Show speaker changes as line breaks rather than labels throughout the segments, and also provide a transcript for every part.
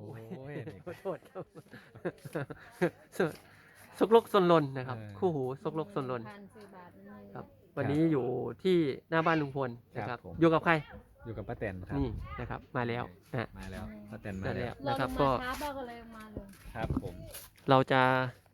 ยนี่
ขอโทษครับซกลกซนลนนะครับ คู่หูซกลกซนลน ครับ วันนี้อยู่ที่หน้าบ้านลุงพลนะครับ อยู่กับใคร
อยู่กับป้าแตนครับ
นี่นะครับ มาแล้วนะ
มาแล้วป้าแตนมา
มา
แล้
แล้ว ว
เรา
นะครับ
ลง
ก็
มาช้าบ้างก็เลยมาเลย
ครับผม
เราจะ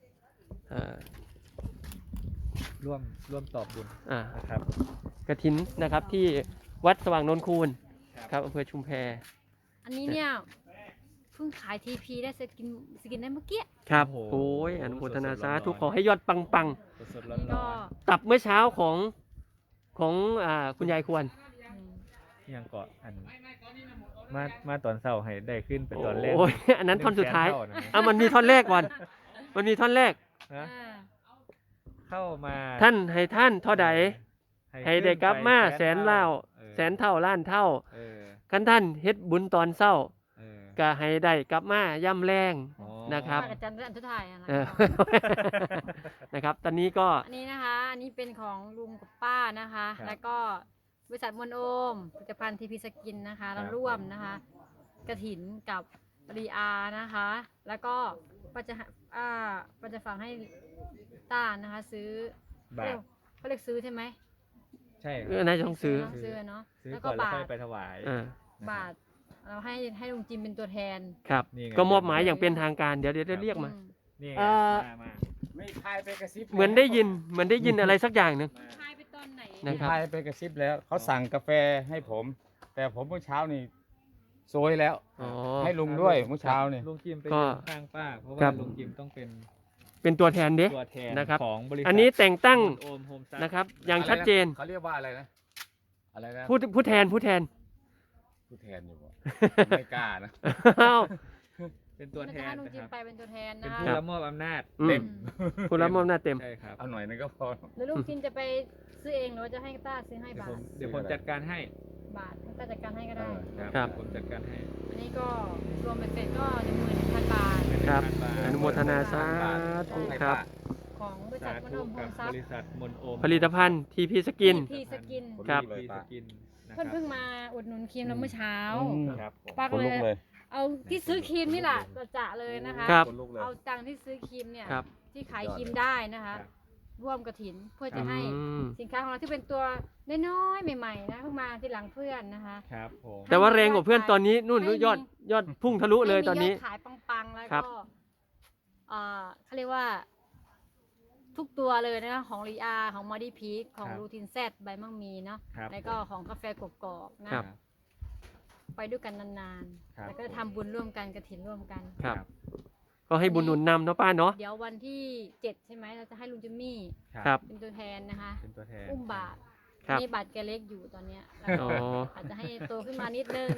ร่วมตอบบุญ
อ่า
นะครับ
กฐินนะครับที่วัดสว่างนนคูนครับอำเภอชุมแพ
อันนี้เนี่ยเพิ่งขายทีพีได้สกินได้เมื่อกี้
ครับ
โอ้โห
โอ้ยอนุโมทนา
สดๆ
สาธุ
ร้อนๆ
ขอให้ยอดปัง
สดๆร้
นี่ก็
อน
ๆตับเมื่อเช้าของคุณยายควร
ๆยังเกาะอันมาตอนเช้าให้ได้ขึ้นเป็นตอนแรก
โอ้ยอันนั้นท่อนสุดท้าย
100,000เท่นะ
มันมีท่อนแรกก่อน มันมีท่อนแรก
นะเข้ามา
ท่านให้ท่านเท่าใด ให้ได้กลับมาแสนเล่าแสนเท่าล้านเท่า
เออ
คันท่านเฮ็ดบุญตอนเศร้า
เออ
ก็ให้ได้กลับมาย่ำแรง
อ๋อ
นะครับ
อาจารย์อันทุทายอะไร
เออ นะครับ ตอนนี้ก็
อันนี้นะคะ อันนี้เป็นของลุงกับป้านะคะ แล้วก็บริษัทมวลโอมผลิตภัณฑ์ทีพีสกินนะคะเราร่วมนะคะกระถินกับรีอานะคะ แล้วก็ปัจจะปัจจะฝังให้ต้านะคะ ซื้อบ
าท
เขาเรียกซื้อใช่ไหม
ใช่ค
เอ
รับ
อน่าจะต้องซื้อ
ซื้อเนาะ
ซื้อ
แล้ว
ก่
ก็
อนแล้ว
บา
ค่อย
ท
ไปถวาย
อ่า
บาทเราให้ลุงจิมเป็นตัวแทน
ครับ
นี่ไง
ก็มอบหมายอย่างเป็นทางการ เดี๋ยวเรียกมา
นี่ไง
เอ่อ
มา
ไม่พายไปกระซิบ
เหมือนได้ยินอะไรสักอย่างหนึ่ง
ทายไปตอนไหน
นะ
ไม่
ครับ
พายไปกระซิบแล้วเขาสั่งกาแฟให้ผม แต่ผมเมื่อเช้านี่โซยแล้ว
อ๋อ
ให้ลุงด้วยเมื่อเช้านี่
ลุงจิมไป
ก็
ยืนข้างป้า เพราะ
ครั
ว่า
บ
ลุงจิมต้องเป็น
เป็นตัวแทนเด้
ตัวแทน
นะครับ
ของบริษัท
อันนี้แต่งตั้ง
โอมโฮมซับ
นะครับ อย่างชัดเจน
เขาเรียกว่าอะไรนะ อะไรนะ
ผู้แทน
ผู้แทนอยู่บ่ ไม่กล้านะ
อ้าว
เป็นตัวแทน
ลุง
นะ
จิ
ค
ม
รับ
ไปเป็นตัวแทน
เป็น
นะ
ผู้
คะ
รับมอบอำนาจ
อืม
เต็ม
ผู้รับมอบหน้าจเต็ม
ใช่ครับ
เอาหน่อยนึงก็พอ
แล้วลุงจิมจะไปซื้อเองหรือว่าจะให้ต้าซื้อให้
เดี๋ยว
บา
ผม
ท
จัดการให้
บาทให้ต้าจัดการให้ก็ได้
ครับ
ผมจัดการให้
อันนี้ก็รวมเป็นเสร็จก็11,000 บาท
ครับ
1,000 บาท
อนุโมทนาสาธุครับ
ของบริษั
สา
ทม
ธุ
โนมโฮ
กับ
มซั
บบ ริษัทมนโอม
ผลิตภัณฑ์ทีพีสกิน
ทีสกิน
ครับ
ทีสกินนะค
เพิ่
รั
นเพิ่งมาอุดหนุนครีมเราเมื่อเช้า
ครับผม
ป้า
ค
ก็
น
เล
ลุกเลย ย
เอาที่ซื้อครีมนี่แหละจะเลยนะคะ
ครับ
คนลุกเลย
เอาตังค์ที่ซื้อครีมเนี่ย
ครับ
ที่ขายครีมได้นะคะ
ครับ
ร่วมกระถินเพื่อจะให้
อืม
สินค้าของเราที่เป็นตัวน้อยๆใหม่ๆนะเพิ่งมาที่หลังเพื่อนนะคะ
ครับผม
แต่ว่าแรงกว่าเพื่อนตอนนี้นู่นยอดพุ่งทะลุเลยตอนนี้
ให้มียดขายปังๆแล้ว
ครั
ก็
บ
เขาเรียกว่า ทุกตัวเลยนะคะของรีอาของมอดี้พีคของรูทินแซดใบมังมีเนาะ
ครับ
แล้วก็ของกาแฟกรอบๆนะครับ ไปด้วยกันนาน
ครับ
ๆแล้วก็ทำบุญร่วมกันกระถินร่วมกัน
ครับ ก็ให้บุญหนุนนำเนาะป้าเนาะ
เดี๋ยววันที่7ใช่ไหมเราจะให้ลุงจิมมี่
ครับ
เป็นตัวแทนนะคะ
เป็นตัวแทน
อุ้มบาท
ครับ
นี่บาทแกเล็กอยู่ตอนเนี้ยแล้ว
อ๋
ก็
อ
อาจจะให้โตขึ้นมานิดนึง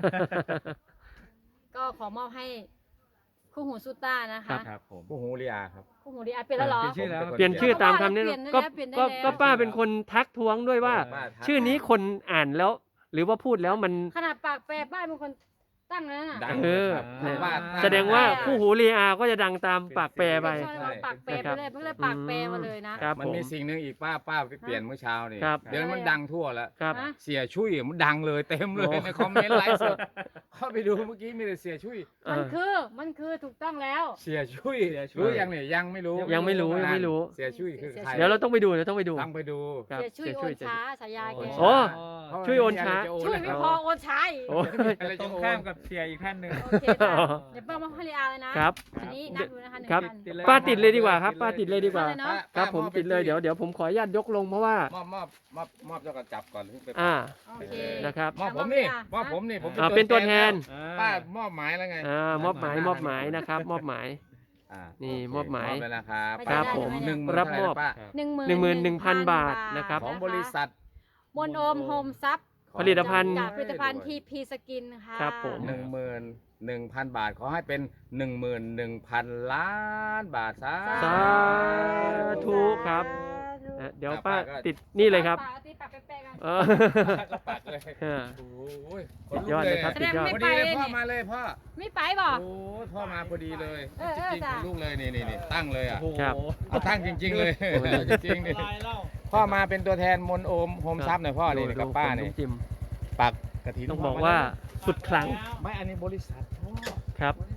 ก็ขอมอบให้คู่หูซูต้านะคะ
ครับผม
ผู้หูเรียครับ
คู่หูดีอาเป็นแล้วเหรอ
เปลี่ยนชื่อแล้ว
เปลี่ยนชื่อตามคำนี้
เปลี่ยนได้
ก็
แล้วเปลี่ยนได้
ก็
แล้ว
ก็ป้าเป็นคนทักท้วงด้วยว่า
ป้าทัก
ชื่อนี้คนอ่านแล้ว หรือว่าพูดแล้วมัน
ขนาดปากแปรป้ายเป็นคนตั้งแล้วน่ะ
ดัง
เออ
ครับ
เนี่ย
ป้า
แสดงว่าคู่หูเรียก็จะดังตามปากแปรไป
ใช่เราปากแปรไปเลยเพิ่งเลยปากแปรมาเลยนะครับ
มัน
ผม
มีสิ่งหนึ่งอีกป้าไปเปลี่ยนเมื่อเช้านี่
ครับ
เดี๋ยวมันดังทั่วแล้ว
ครับ
ฮะ
เสียชุยมันดังเลยเต็มเลย
โอ้
ในคอมเมนต์ไลฟ์สดเข้าไปดูเมื่อกี้มีแต่เสียชุย
เอ
มันคือถูกต้องแล้ว
เสียชุย
เสียชุย
รู้ยังเนี่ยยังไม่รู้
ยังไม่รู้ยังไม่รู้
เสียชุยคือใคร
เดี๋ยวเราต้องไปดูเดี๋ยวต้องไปดู
ต้องไปดู
ครับ
เสียช่วยโอนช้าฉายาแก
โอ้
เพราะ
ช่วยโอนช้า
จะ
ช่วยไม่พอโอนช้าอีก
โอ้ย
อะไร
ตร
จะ
ง
โอน
ข้ามกับเสียอีกท่านหนึ่ง
โอเคจ้ะเดี๋ยวป้ามาให้รีอาเลยนะครับ อันนี้นับดูนะคะหนึ่ง
ครับ
พัน
ติดเลย
ป้าติดเลยดีกว่าครับ ป้าติดเลยดีกว่า
เอาเลยเนอะ
ครับผมติดเลยเดี๋ยวผมขออนุญาตยกลงเพราะว่า
มอบเจ้าก็จับก่อนถึงไป
อ่า
โอเค
นะครับ
มอบผมนี่มอบผมนี่ผม
เป็นตัวแทน
ป้ามอบหมายแล้วไง
มอบหมายนะครับ มอบหมาย นี่
โเค
มอบหมาย
ไปแล้วครับ
ครับ
ได้
ผม
หนึ่งหมื่น
รับมอบ
เท่าไหป้า
11,000 บาทนะครับ
ของบริษัท
มนโอมโฮมซับ
ผลิตภัณฑ์
จากผลิตภัณฑ์ทีพีสกินค่ะ
ครับผม
11,000 บาทขอให้เป็น 11,000 ล้านบาทสา
สาธุครับ เดี๋ยวป้าติดนี่เลยครับ
ปากตีปากแปะๆกัน
เออ
ปากเลย
เออ
โอ้ย
สุดยอดเลยครับ
แสดงไม่
พอ
ไป
ดีเลย
เลย
พ่อ
นี่
มาเลยพ่อ
ไม่ไปบ่
โอ้ยพ่อมาพอดีเลย
เออ
จริง
จ้ะ
ๆลูกเลยนี่ตั้งเลยอ่ะ
ครับ
เอาตั้งจริง ๆ เลยจริงๆนี่พ่อมาเป็นตัวแทนมนโอมโฮมซับหน่อยพ่อนี่กับป้านี่
ดูจิม
ปักกระถิน
ต้องบอกว่าสุดครั้ง
ไม่อันนี้บริษัทพ่อ
ครับ
บริ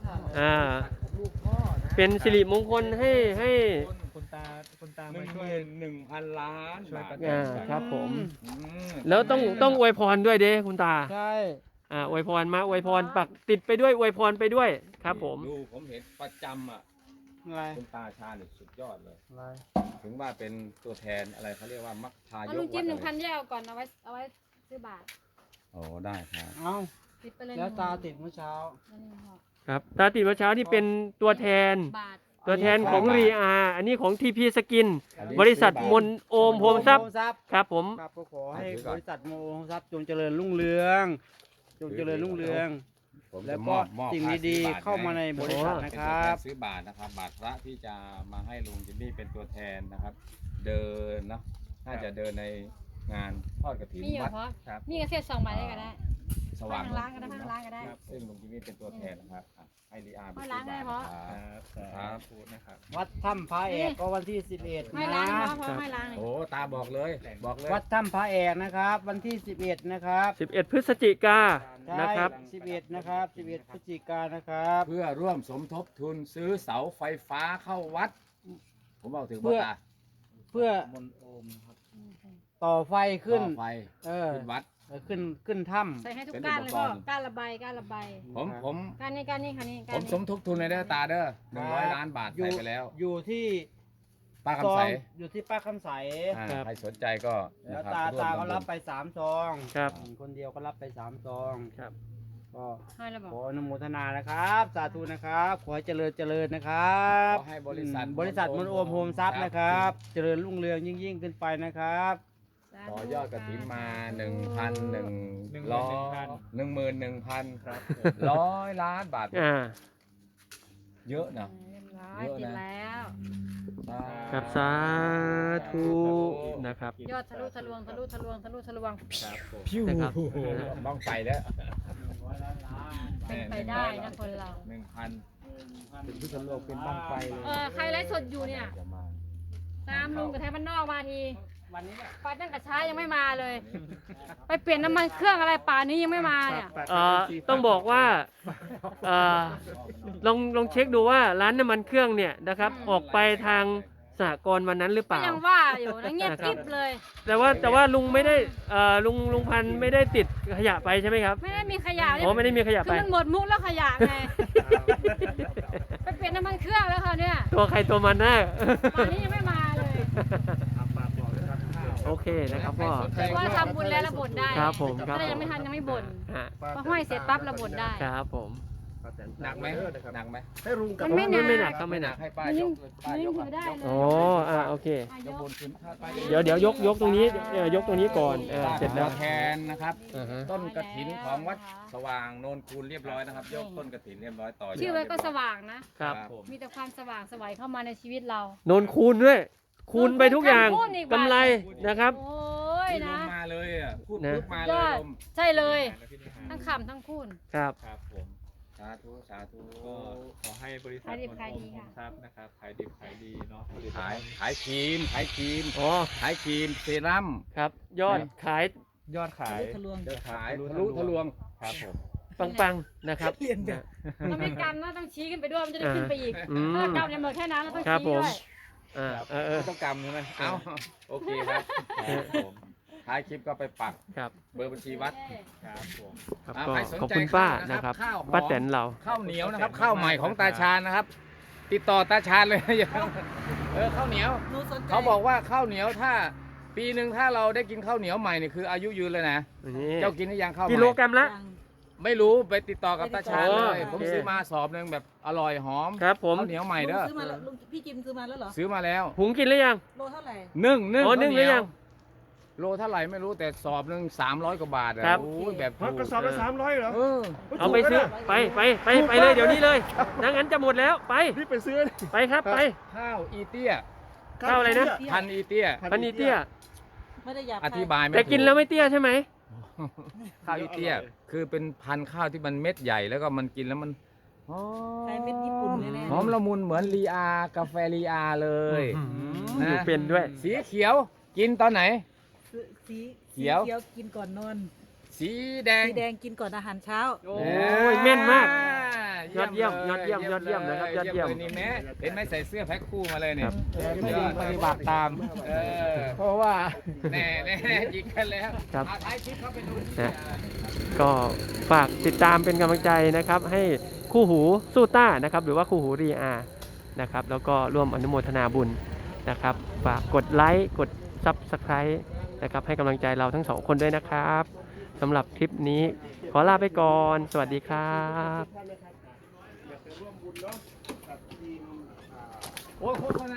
อ่าเป็นสิริมงคลให้
คุณตา
หนึ่
มาง ช่วย
1,000 ล้าน
ช่วย
บา
ประ
ท
กัน
ครับผม
อืม
แล้วต้องอวยพรด้วยเด้คุณตา
ใช่
อวยพรมาอวยพรปักติดไปด้วยอวยพรไปด้วยครับผม
ดูผมเห็นประจำอ่ะ
อะไร
คุณตาชาญเนี่ยสุดยอดเลย
อะไร
ถึงว่าเป็นตัวแทนอะไรเขาเรียกว่ามัคคาย
เอา
ก
ลุงจิ้ม
วัดอะไร
1,000แยกเอาก่อนเอาไว้ซื้อบาท
โอ้ได้ครับ
เอ้า
ติดไปเลย
แล้วตาติดเมื่อเช้า
นั่นเองค่ะ
ครับตาติดเมื่อเช้านี่เป็นตัวแทน
บาท
ตัวแทนของรีอาอันนี้ของทีพีสกิน
อันนี้
บริษัทมนโอมโฮมทรัพย์
โฮมทรัพย์
ครับผม
ครับก็ขอให้
ถือก่อน
บริษัทโมโฮมทรัพย์จงเจริญรุ่งเรือง จงเจริญรุ่งเรือง
ผม
แล้
จะ
ว
ม
ก็
อบ
สิ่ง
ค่
ดี
ซื้อบ
ๆเข้ามาในบริษัท
เป็
นะ
น
ค
ตัว
รั
แท
บ
นซื้อบาทนะครับ บาทพระที่จะมาให้ลุงจิมมี่เป็นตัวแทนนะครับ เดินเนาะน่าจะเดินในงานทอดกฐิน
มีอยู่
วัด
เพราะ
ครับ
มีกระเทียม2ใบได้ก็ได้
สว่าง
ทางร้านก็ได้ทางร้านก็ได้
ซึ่งลุงจิมมี่เป็นตัวแทนนะครับอ่ะให้ลีอาร์
ให้ร้านก็ได้เพราะ
ครับ
พูดนะครับ
วัดถ้ำพระเอกก็วันที่ 11
ให้
นะ
ร้านเพราะให้ร้านเลย
โอ้ตาบอกเลยบอกเลย
วัดถ้ำพระเอกนะครับ วันที่ 11 นะครับ
11 พฤศจิกา
ใช่
นะครับ
11 นะครับ 11 พฤศจิกายนนะครับ
เพื่อร่วมสมทบทุนซื้อเสาไฟฟ้าเข้าวัด ผมบอกถึง
เพื่
ว่า
อ
ตา
เพื่อต่อไฟขึ้น
ต่อไฟ
เออ
ขึ้นวัด
ขึ้นถ้ำ
ใส่ให้ทุกก้านเลยพ่อก้านละใบก้านละใบ
ผม
ก้านนี้ก้านนี้ค่ะนี่
ผ
ก้าน
ม
นี้
สมทบทุนเลยเด้อตาเด้อ100 ล้านบาท
อยู่
ใส่ไปแล้ว
อยู่ที่
ป้า
ซ
คำ
อ
ใส
งอยู่ที่ป้าคำใส
อ่า
ครับ
ใครสนใจก็
แล้ว
นะครับ
ตา
ร่วม
ก็
ทำบุญ
รับไป3 ซอง
ครับ
คนเดียวก็รับไป3 ซอง
ครับ
ก็
ให้แล้วบอก
ขออนุโมทนานะครับ สาธุนะครับ ขอให้เจริญนะครับ
ขอให้บริษัท
บริษัทมนโอมโฮมทรัพย์นะครับ เจริญรุ่งเรืองยิ่งขึ้นไปนะครับ
ต่อยอดกระถินมา1,100
ครับ
1,100 ล้านบาท เยอะนะ
เรียบร้อย
เยอะนะ
ติดแล้ว
ครับสาธุนะครับ
ยอดทะลุทะลวงทะลุทะลวงทะลุทะลวง
ครับผม
พิ้ว
นะครับ
บ้องไปแล้ว
เป็นไปได้นะคนเรา
1,000เป็นพิษณุโลกเป็นบ้องไฟเลย
ใครไลฟ์สดอยู่เนี่ย
จะมา
ตามลุงกับแทนบ้านนอกมาทีไปตั้งแต่เช้ายังไม่มาเลย ไปเปลี่ยนน้ำมันเครื่องอะไรป่านนี้ยังไม่มาเนี่ย
ต้องบอกว่าลองเช็คดูว่าร้านน้ำมันเครื่องเนี่ยนะครับออกไปทางสหกรณ์วันนั้นหรือเป
ก็
ล่า
ยังว่าอยู่นะเงียบกริบเลย
แต่ว่าลุงไม่ได้ลุงพันธุ์ไม่ได้ติดขยะไปใช่ไหมครับ
ไม่ได้มีขยะ
อ๋อไม่ได้มีขยะ
คื
ไป
อมันหมดมุกแล้วขยะไง ไปเปลี่ยนน้ำมันเครื่องแล้วค่ะเนี่ย
ตัวใครตัวมันนะ
ป่านนี้ยังไม่มาเลย
โอเคนะครับพ่อ
ว่าทำบุญแล้วระบ่นได้
ครับผมครับ
ถ้ายังไม่ทันยังไม่บ่น
ฮะ
พอห้อยเสร็จปั๊บระบ่นได้
ครับผม
หนักไหมหนักไหม
มันไม่หนั
ไม่
ก
หนักครับไม่หนัก
ให้ป้า
มัน
ย
ยิ่ง
กป้ายก
ถือได้เลย
อ๋อโอเค
ยก
เดี๋ยวยกตรงนี้ยกตรงนี้ก่อนเสร็จแล้ว
แทนนะครับ
อ่าฮะ
ต้นกระถินของวัดสว่างโนนคูนเรียบร้อยนะครับ ยกต้นกระถินเรียบร้อยต่อยอด
ชื่อไว้ก็สว่างนะ
ครับ
ผม
มีแต่ความสว่างไสวัยเข้ามาในชีวิตเรา
โนนคูณด้วย คูณไปทุกอย่าง
คูณอีกบาท
กำไรนะครับ
โอ้ย
ล
นะ
มมาเลยอ่ะพูด
นะ
ปุ๊บมาเลย
ยอด
ลม
ใช่เลย ทั้งขำทั้งคูณ
ครับ
ครับผม
สาธุสาธุ
ก็ขอให้บริษัท
ขายดิบ
มน
ขายดี
โอม
ค่ะ
ทรัพย์นะครับขายดิบขายดีเนาะผลิต
ขาย
ภัณฑ์
ขายครีมขายครีม
อ๋อ
ขายครีมเซรั่ม
ครับ ยอดขาย
ยอดขาย
จะขายทะลุทะลวง
ครับผม
ปังๆนะครับนะ
มันไม่กำนะต้องชี้ขึ้นไปด้วยมันจะได้ขึ้นไปอีก
อืม
ถ้ากำเนี่ยหมดแค่นั้นเราต้อง
ครับ
ชี้
ผม
ด้วย
ไม่ต้องกำใช่ไหมเอ้าโอเคครับครับผมท้ายคลิปก็ไปปัก
ครับ
เบอร์บัญชีวัด
ครับผม
ครับ
อ่า
ก็
ใครสนใจ
ขอบคุณป้า
ข้าวนะ
นะ
ค
ค
รั
รั
บบ ข้าวหอม
ป้าแตนเรา
ข้าวเหนียวนะครับข้าวใหม่ของตาชาญนะครับ ติดต่อตาชาญเลยอย่าข้าวเหนียว เขาบอกว่าข้าวเหนียวถ้า ปีหนึ่งถ้าเราได้กินข้าวเหนียวใหม่เนี่ยคืออายุยืนเลยนะ
นี่
เจ้ากินหรือยังข้าวใหม่
กิโลกรัมละ
ไม่รู้ไปติดต่อกับตาชาญเลย
โอเค
ผมซื้อมาสอบหนึ่งแบบอร่อยหอม
ครับผม
ข้าวเหนียวใหม่เด้อ
ซื้อมาแล้วลุงพี่จิมซื้อมาแล้วเหรอ
ซื้อมาแล้ว
หุงกินหรือยัง
โลเท่าไหร่
นึ่ง
อ๋อนึ่งหรือยัง
โลเท่าไหร่ไม่รู้แต่สอบหนึ่ง300 กว่าบาทอะ
ครับ
โอ้ยแบบ
กระสอบละ300เหรอ
เออ
เอาไปซื้อไปเลยเดี๋ยวนี้เลยงั้นจะหมดแล้วไป
รีบไปซื้อ
ไปครับไป
ข้าวอีเตี้ย
ข้าวอะไรนะ
พันอีเตี้ย
พันนีเตี้ย
ไม่ได้อยาก
อธิบายไม่
แต่กินแล้ว
ถู
ไม่เตี้ยใช่ไหม
ข้าวอีเตี้ย คือเป็นพันธุ์ข้าวที่มันเม็ดใหญ่แล้วก็มันกินแล้วมันหอ
ใช้เม็ดญี่ปุ่นเลยแน่
หอมละมุนเหมือนลีอากาแฟลีอาเลย นะ
อยู่เป็นด้วย
สีเขียวกินตอนไหน
สี
เขียว
กินก่อนนอน
สีแดง
สีแดงกินก่อนอาหารเช้า
โอ้ยแม่นมากยอดเยี่ยมยอดเยี่ยมยอดเยี่ยมนะครับยอดเยี่ยม
ลนี่แม่เห็นไหมใส่เสื้อแพ็คคู่มาเลยเนี่ย
ไม่ได้ปฏิบัติตาม
เออ
เพราะว่า
แน่ยิงกันแล้ว
ครับ
ท้ายคลิปเข้าไปดู
นะก็ฝากติดตามเป็นกำลังใจนะครับ ให้คู่หูสู้ต้านะครับ หรือว่าคู่หูรีอานะครับ แล้วก็ร่วมอนุโมทนาบุญนะครับฝากกดไลค์กดซับสไครต์นะครับให้กำลังใจเราทั้งสองคนด้วยนะครับสำหรับคลิปนี้ขอลาไปก่อน สวัสดีครับ
โอ้ย